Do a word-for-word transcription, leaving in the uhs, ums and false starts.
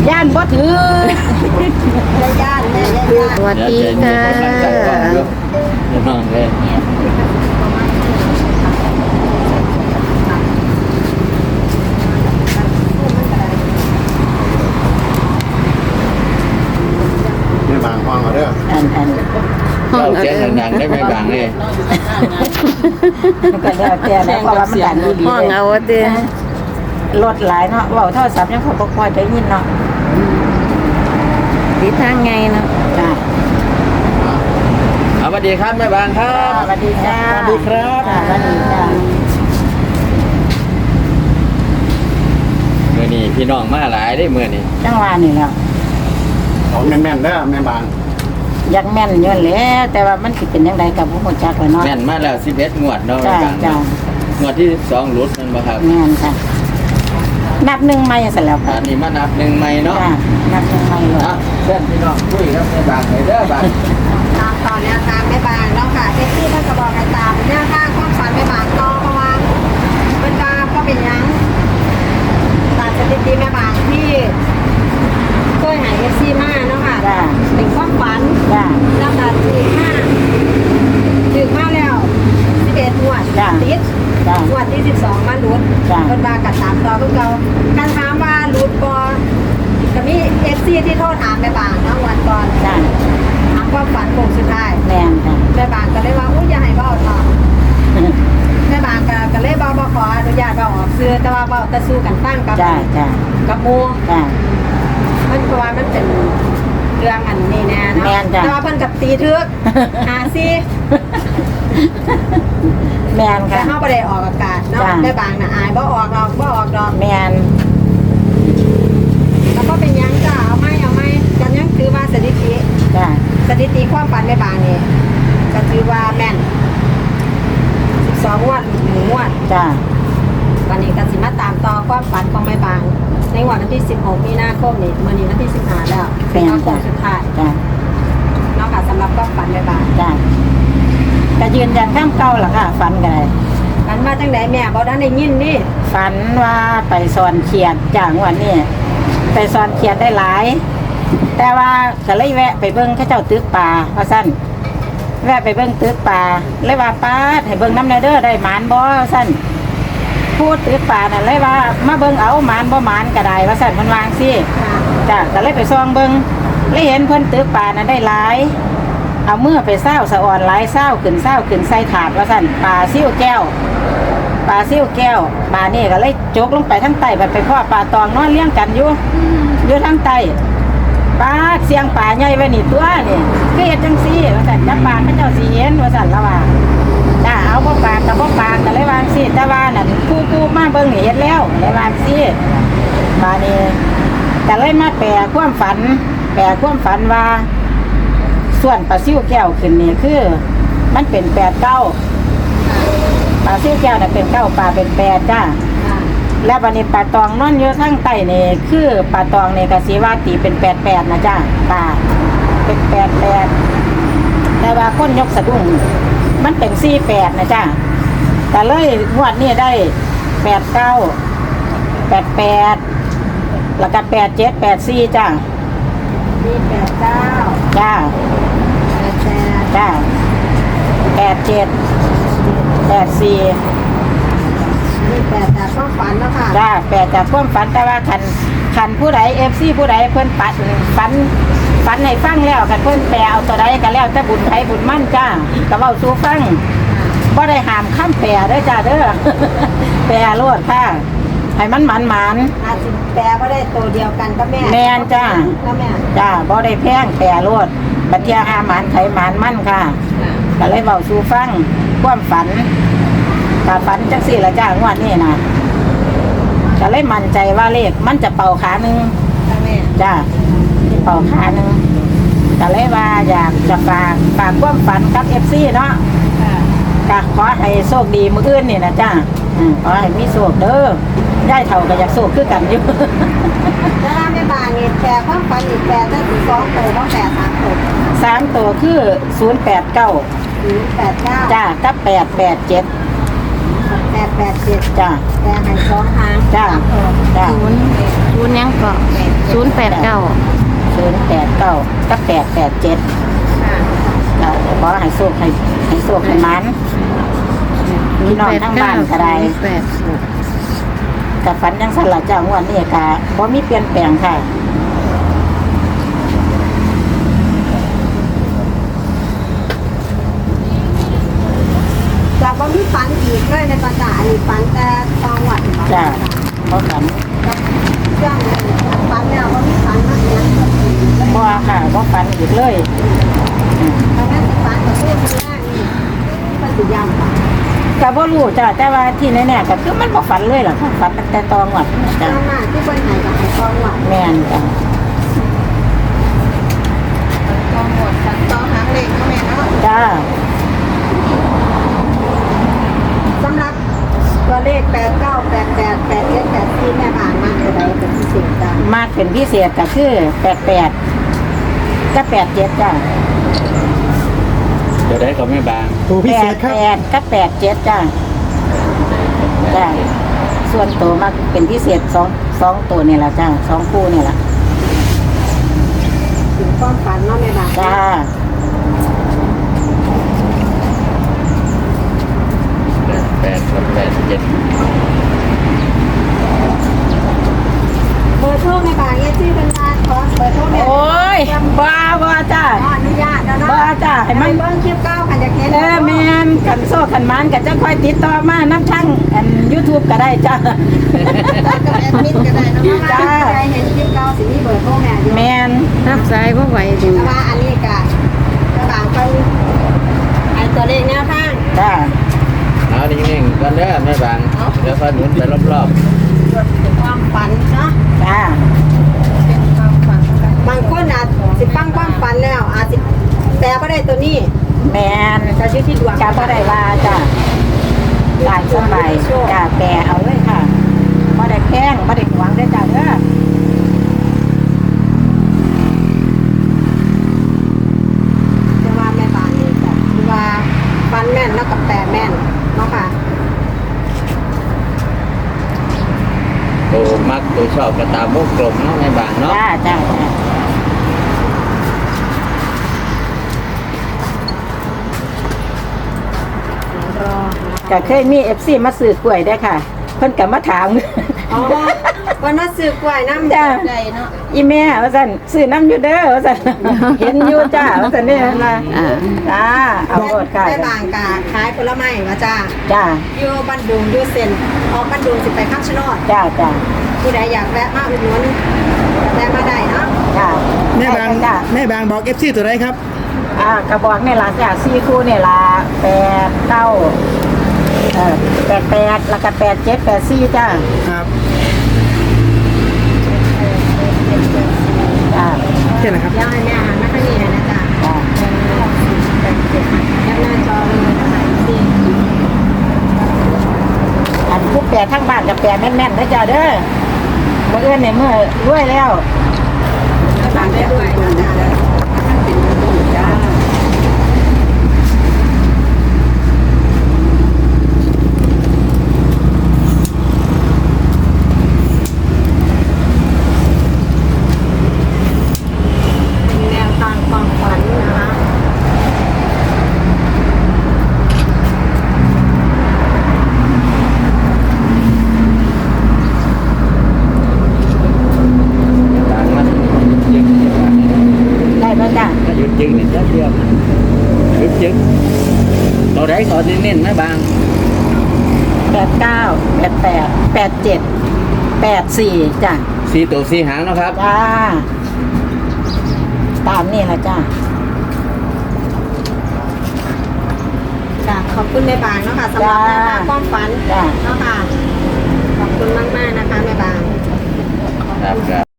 ย่านบ่ถือย่านแม่ย่านสวัสดีค่ะน้องเลยไม่บางห้องเอาเด้ออันอันห้องเสียงดังๆได้ไหมบางเลยก็แล้วแต่แล้วเพราะว่ามันดังอีหลีห้องเอาเด้อรถหลายเนาะเว้าโทรศัพท์ยังเขาบ่ค่อยได้ยินเนาะดีทางไงเนาะจ้าสวัสดีครับแม่บางครับสวัสดีจ้าสวัสดีครับสวัสดีจ้าเมื่อนี้พี่น้องมาหลายได้เมื่อนี้จังหวะนี่แหล้วเอาแม่นๆเด้อแม่บางอยากแม่นอยู่แล้วแต่ว่ามันสิเป็นจังไดก็บ่ฮู้จักแล้วเนาะแม่นมาแล้วสิบเอ็ดงวดเนาะจ้าบางจ้างวดที่สิบสองหลุดนั่นบ่ครับแม่นค่ะนับหนึ่งใหม่ซะแล้วอัค่ะนนี้มานับหนึ่งใหม่เนาะจ้านับหนึ่งใหม่เลยนะเพื่อนพี่น้องคุยครับแม่บางเลยเด้อบางตามต่อแนวทางแม่บางแล้วค่ะเท็กซี่ท่านก็บอกให้ตามแนวทางความฝันแม่บางต่อเพราะว่าเป็นตาก็เป็นยังตามสถิติแม่บางที่เคยหายเอฟซีมาเนาะค่ะจ้าเป็นความฝันจ้าแล้วก็ถึงห้าถึงมาแล้วสิบเอ็ดงวดจ้ะติดจ้างวดที่สิบสองมาหลุดจ้ะคนมากัดถามต่อพวกเราการถามว่าหลุดบอจะมีเอฟซีที่โทษถามแม่บางเนาะวันก่อนจ้าถามความฝันโค้งสุดท้ายแม่นค่ะแม่บางก็เลยว่าอุ้ยอย่าให้เบ้าต่อแม่บางก็ก็เลยเบ้าบ่ขออนุญาตเบ้าออกซื้อแต่ว่าเบ้าจะสู้กันตั้งกับจ้าจ้ากับหมูจ้ามันเพราะว่ามันเป็นเรื่องอันนี้แน่เนาะแม่นจ้ะแต่ว่าเพิ่นกับตีทึกหาซี่แม่นแต่ค่ะเฮาบ่ได้ออกอากาศเนาะจ้ะแม่บางน่ะอายบ่ออกดอกบ่ออกดอกแม่นแล้วก็เป็นหยังจ้ะเอาไม่เอาไม่กันยังถือว่าสถิติจ้าสถิติความฝันแม่บางนี่ก็ถือว่าแม่นสิบสองงวดหนึ่งงวดจ้าวันนี้ก็สิมาตามต่อความฝันของแม่บาง ในวันที่สิบหกมีนาคมนี่มื้อนี้วันที่สิบห้าแล้วเป็นวันโค้งสุดท้ายจ้าเนาะค่ะสำหรับความฝันแม่บางจ้าก็ยืนยันข้ามเก่าล่ะค่ะฝันกันเลยฝันมาจังไดแม่บ่ได้ได้ยินนี่ฝันว่าไปสอนเขียดจากวันนี้ไปสอนเขียดได้หลาย แต่ว่าก็เลยแวะไปเบิ้งเข้าเจ้าตึกป่าเพราะสั้นแวะไปเบิ้งตึกป่าเลยว่าป้าดให้เบิ้งน้ำในเด้อได้หมานบ่สั้นพูดตึกป่าน่ะเลยว่ามาเบิ้งเอาหมานบ่หมานก็ได้ว่าสั้นมันวางสิค่ะจ้ะก็เลยไปซองเบิ้งเลยเห็นเพิ่นตึกป่าน่ะได้หลาย เอาเมื่อไปเศร้าสะอ่อนหลายเศร้าขึ้นเศร้าขึ้นใส่ถาดว่าสั้นปลาซิ่วแก้วปลาซิ่วแก้วปลานี่ก็เลยจกลงไปทั้งใต้ไปไปพ่อปลาตองนอนเลี้ยงกันอยู่อยู่ทั้งใต้ปลาเสียงปลาใหญ่ไว้นี่ตัวนี่คือเฮ็ดจังซี่ว่าซั่นจับปลาเขาเจ้าสิเห็นว่าซั่นละว่าจ้าเอาบ่ปลากับบ่ปลาก็เลยวาจั่งซี่แต่ว่านั่นผู้ผู้มาเบิ่งนี่เห็นแล้วเลยวาจั่งซี่ปลานี่ก็เลยมาแปลความฝัน แปลความฝันว่าส่วนปลาซิ่วแก้วขึ้นนี่คือมันเป็นแปดเก้าปลาซิ่วแก้วน่ะเป็นเก้าปลาเป็นแปดจ้าค่ะแล้วบัดนี้ปลาตองนอนอยู่ทั้งใต้นี่คือปลาตองนี่ก็สิว่าตีเป็นแปดแปดนะจ้าปลาเป็นแปดแปดแต่ว่าคนยกสะดุ้งมันเป็นสี่แปดนะจ้าแต่เลยงวดนี้ได้แปดเก้าแปดแปดแล้วก็แปดเจ็ดแปดสี่จ้ามีแปดเก้าจ้าแปดแปดจ้าแปดเจ็ดแปดสี่มีแปดจากความฝันเนาะค่ะจ้าแปดจากความฝันแต่ว่าคันคันผู้ใดเอฟซีผู้ใดเพิ่นปัดฝันฝันให้ฟังแล้วคันเพิ่นแปลเอาตัวใดก็แล้วแต่บุญไผบุญมั่นจ้าก็เว้าสู่ฟังบ่ได้ห้ามข้ามแปลเด้อจ้าเด้อ แปลโลดค่ะให้มันหมันหมานอาจจะแปลว่าได้ตัวเดียวกันก็แม่แม่นจ้าก็แม่จ้าบ่ได้แพงแปลโลดบัดเทียหาหมานไผหมานมั่นค่ะก็เลยเว้าสู่ฟังความฝันก็ฝันจังซี่ล่ะจ้างวดนี้น่ะก็เลยมั่นใจว่าเลขมันจะเป่าขาหนึงก็แม่จ้าที่เป่าขาหนึ่งก็เลยว่าอยากจะฝากฝากความฝันกับเอฟซีเนาะค่ะก็ขอให้โชคดีมื้ออื่นนี่นะจ้าอืมขอให้มีโชคเด้อย่ายเท่าก็อยากโชคคือกันอยู่แล้วถ้าแม่บางนี่แปลความฝันอีกแปลได้ถึงสองตัวต้องแปลสามตัวสามตัวคือศูนย์แปดเก้าหรือแปดเก้าจ้ากับแปดแปดเจ็ดแปดแปดเจ็ดจ้าแต่ให้สองทางจ้าจ้าศูนย์ศูนย์หยังก็ศูนย์แปดเก้าศูนย์แปดเก้ากับแปดแปดเจ็ดค่ะจ้าขอให้โชคให้ให้โชคให้มันพี่น้องทั้งบ้านก็ได้แปดกับฝันยังสั่นละเจ้างวดนี้ก็บ่มีเปลี่ยนแปลงค่ะจากว่ามีฝันอีกเลยในประกาศอันนี้ฝันแต่ตองหวัดจ้าบ่ฝันกับเครื่องเลยฝันแล้วว่ามีฝันมากเนี่ยบ่ค่ะบ่ฝันอีกเลยอืมตอนนั้นสิฝันกับเพื่อนคนแรกนี่ที่มันสิยำค่ะก็บ่รู้จ้าแต่ว่าที่แน่ๆก็คือมันบ่ฝันเลยล่ะค่ะฝันตั้งแต่ตอนงวดตจ้าอนนั้นที่เป็นไหนกับไอ้ตองหวัดแม่นจ้าตองหวัดฝันตองหางเหล็กก็แม่เนาะจ้าสำหรับตัวเลขแปดเก้าแปดแปดแปดเจ็ดแปดสี่แม่ผ่านมากเลยได้เป็นพิเศษจ้ะมากเป็นพิเศษก็คือแปดแปดกับแปดเจ็ดจ้าเดี๋ยวได้ก็ไม่บางตัวพิแปเศดษครับแปดกับแปดเจ็ดจ้าจ้าส่วนตัวมากเป็นพิเศษสองสองตัวนี่แหละจ้าสองคู่นี่แหละถึงความฝันเนาะแม่บ่าวจ้าแปดกับแปดเจ็ดเบอร์โทรแม่บ่าวเนี่ยชื่อเป็นร้านขอเบอร์โทรแม่โอ้ยบ้าบ้าจ้าขออนุญาตแล้วเนาะบ้าจ้าให้ให้มัมัน นเบิ้งคลิปเก้าขันจะเห็นเออแมนกันโซ่กันมันกันจะค่อยติดต่อมาน้ำช่างอันยูทูบก็ได้จ้ากับแอดมินก็ได้เนาะว่าจ้าใครเห็นคลิปเก้าสิมีเบอร์โทรแม่อยู่แมนรับสายว่าไหวจริงแต่ว่าอันนี้ก็แม่บ่าวเป็นไอตัวเลขแนวทางจ้าเอานิ่งๆก่อนเด้อไม่บางเดี๋ยวพอหมุนไปรอบเป็นความฝันเนาะจ้าเป็นความฝันบางคนอาจสิฟังความฝันแล้ว อาจสิแต่ก็ได้ตัวนี้แมนก็อยู่ที่ดวงจ้าก็ได้ว่าจ้าหลายสบายจ้าแปรเอาเลยค่ะบ่ได้แพงบ่ได้หวังได้อจ้าเด้อจะว่าแม่บ้านนี่จ้ะคือว่าฝันแม่นแล้วกับแปลแม่นเนาะค่ะๆตัวมักตัวชอบกระตามมุกกลมเนาะไม่บางเนาะจ้าจ้าจ้าก็เคยมีเอฟซีมาซื้อกล้วยได้อค่ะ เพิ่นก็มาถามอ๋อวันนั้นซื้อกล้วยน้ำจ้าใจเนาะอีแม่ว่าซั่นซื้อน้ำอยู่เด้อว่าซั่น เห็นอยู่จ้าว่าซั่นนี่นะอ่าจ้าเอาโลดค่ะแม่บางกาขายผลไม้ว่าจ้าจ้าอยู่บ้านดุงอยู่เซ็นออกบ้านดุงสิไปข้ามชะโนดจ้าจ้าผู้ใดอยากแวะมาอุดหนุนแวะมาได้เนาะจ้าแม่บางจ้าแม่บางบอกเอฟซีตัวไหนครับอ่ากระบอกนี่ล่ะจ้าสี่คู่นี่ล่ะแปดเก้าเออแปดแปดแล้วก็แปดเจ็ดแปดสี่จ้าครับจ้าแค่นะครับเดี๋ยวให้แม่หันมาทางนี้เลยนะจ้าจ้าแคปหน้าจอเลยนะคะสิอันผู้แปดทั้งบ้านกับแปดแม่นๆนะจ้าเด้อเมื่อเอื้อนเนี่ยเมื่อรวยแล้วฝากได้ด้วยนะจ้าจ้าเป็นแนวทางความฝันนะคะบางมันยึกยึกได้ป่ะจ้าถ้าหยุดยึกนี่จะเดียวหยุดยึกตัวไหนขอที่เน้นไม่บางแปดเก้าแปดแปดแปดเจ็ดแปดสี่จ้าสี่ตัวสี่หางเนาะครับจ้า ตามนี่ละจ้าจ้าขอบคุณแม่บางเนาะค่ะสำหรับแนวทางความฝันจ้าเนาะค่ะ ขอบคุณมากๆนะคะแม่บางครับ